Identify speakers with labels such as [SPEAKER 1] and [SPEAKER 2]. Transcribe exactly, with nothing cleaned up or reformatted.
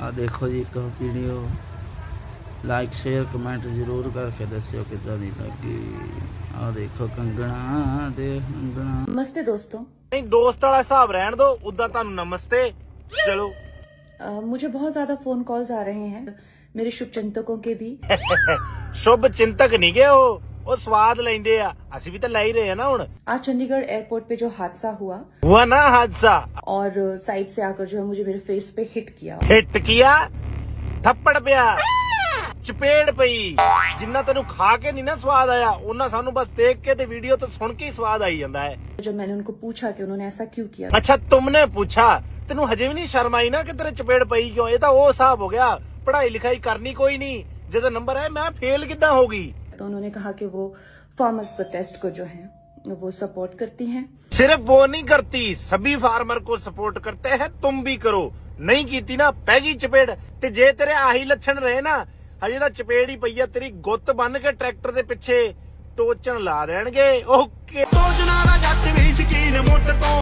[SPEAKER 1] आ देखो जी एक video like share comment जरूर करके दस्यो किद्दां दी लगी। आ देखो कंगना दे कंगना।
[SPEAKER 2] नमस्ते दोस्तों।
[SPEAKER 3] नहीं दोस्त वाला हिसाब रहन दो, उदा तानू नमस्ते। चलो
[SPEAKER 2] अ, मुझे बहुत ज्यादा फोन कॉल्स आ रहे हैं, मेरे शुभ चिंतकों के भी।
[SPEAKER 3] शुभ चिंतक नहीं गए हो, वो स्वाद लेंदे आ, ਅਸੀਂ भी तो लै ही रहे हैं ना हुण।
[SPEAKER 2] आज चंडीगढ़ एयरपोर्ट पे जो हादसा हुआ
[SPEAKER 3] हुआ ना हादसा,
[SPEAKER 2] और साइड से आकर जो है मुझे मेरे फेस पे हिट किया।
[SPEAKER 3] हिट किया, थप्पड़ पिया, चपेड़ पई। जिन्ना तेनू खा के नहीं ना स्वाद आया, उन्ना सानू बस देख के ते वीडियो तो सुन के ही स्वाद आई जांदा है।
[SPEAKER 2] जब मैंने उनको पूछा कि उन्होंने ऐसा क्यों किया,
[SPEAKER 3] अच्छा तुमने पूछा, तेनू हजे भी नहीं शर्म आई ना कि तेरे चपेड़ पई क्यों? ये तो वो हिसाब हो गया, पढ़ाई लिखाई करनी कोई नहीं, जदों नंबर है मैं फेल किद्दां होगी।
[SPEAKER 2] तो उन्होंने कहा कि वो फार्मर्स प्रोटेस्ट को जो है वो सपोर्ट करती हैं।
[SPEAKER 3] सिर्फ वो नहीं करती, सभी फार्मर को सपोर्ट करते हैं, तुम भी करो। नहीं कीती ना पैगी चपेड़। ते जे तेरे आही लक्षण रहे ना, हजे ਤਾਂ चपेड़ ही पई है, तेरी गुੱਤ ਬੰਨ ਕੇ ट्रैक्टर ਦੇ ਪਿੱਛੇ ਟੋਚਣ ਲਾ ਦੇਣਗੇ। ਓਕੇ ਸੋਚਣਾ ਨਾ ਜੱਟ ਵੀ ਸ਼ਕੀਨ ਮੁੱਟ ਤੋਂ